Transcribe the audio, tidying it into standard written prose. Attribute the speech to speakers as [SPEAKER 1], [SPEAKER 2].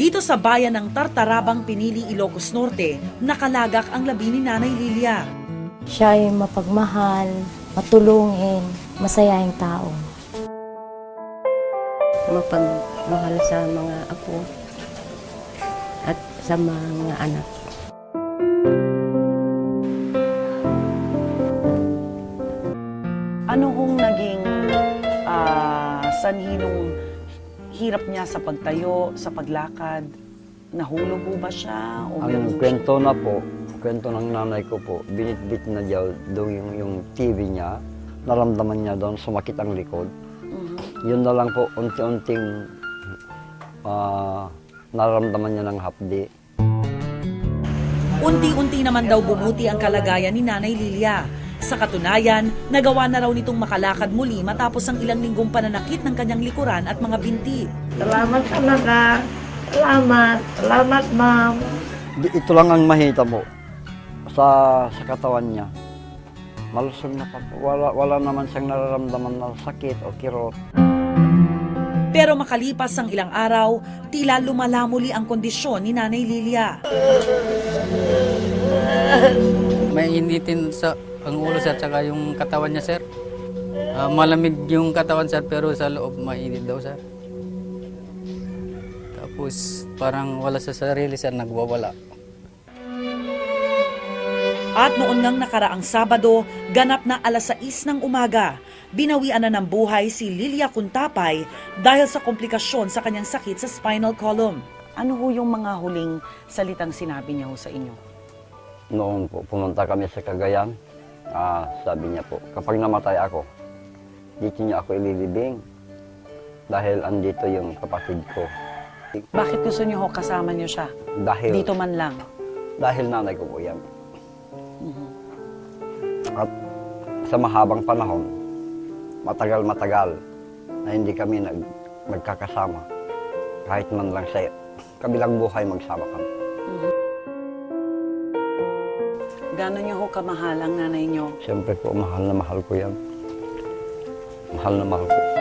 [SPEAKER 1] Dito sa bayan ng Tartarabang, Pinili, Ilocos Norte, nakalagak ang labi ni Nanay Lilia.
[SPEAKER 2] Siya ay mapagmahal, matulungin, masayahing tao.
[SPEAKER 3] Mapagmahal sa mga apo at sa mga anak.
[SPEAKER 4] Ano hong naging sanhi nung hirap niya sa pagtayo, sa paglakad? Nahulog po ba siya? O
[SPEAKER 5] Ang kwento na po, kwento ng nanay ko po, binitbit na daw doon yung TV niya. Naramdaman niya doon, sumakit ang likod. Yun na lang po, unti-unting naramdaman niya ng hapdi.
[SPEAKER 1] Unti-unti naman daw bumuti ang kalagayan ni Nanay Lilia. Sa katunayan, nagawa na raw nitong makalakad muli matapos ang ilang linggong pananakit ng kanyang likuran at mga binti.
[SPEAKER 6] Salamat talaga. Salamat. Salamat, ma'am.
[SPEAKER 5] Ito lang ang mahita po sa katawan niya. Malusog na pa po. Wala naman siyang nararamdaman na sakit o kirot.
[SPEAKER 1] Pero makalipas ang ilang araw, tila lumala muli ang kondisyon ni Nanay Lilia.
[SPEAKER 7] May initin sa ang ulo sir, tsaka yung katawan niya sir. Malamig yung katawan sir, pero sa loob mainit daw sir. Tapos parang wala sa sarili sir, nagwawala.
[SPEAKER 1] At noon ngang nakaraang Sabado, ganap na 6:00 ng umaga, binawian na ng buhay si Lilia Cuntapay dahil sa komplikasyon sa kanyang sakit sa spinal column.
[SPEAKER 4] Ano ho yung mga huling salitang sinabi niya ho sa inyo?
[SPEAKER 5] Noon po, pumunta kami sa Cagayan. Sabi niya po, kapag namatay ako, dito niya ako ililibing dahil andito yung kapatid ko.
[SPEAKER 4] Bakit gusto niyo ho kasama niyo siya?
[SPEAKER 5] Dahil,
[SPEAKER 4] Dito man lang.
[SPEAKER 5] dahil nanay ko po yan. At sa mahabang panahon, matagal-matagal na hindi kami magkakasama. Kahit man lang sa kabilang buhay magsama kami.
[SPEAKER 4] Gano'n niyo ho kamahal ang nanay niyo?
[SPEAKER 5] Siyempre po, mahal na mahal ko yan. Mahal na mahal ko.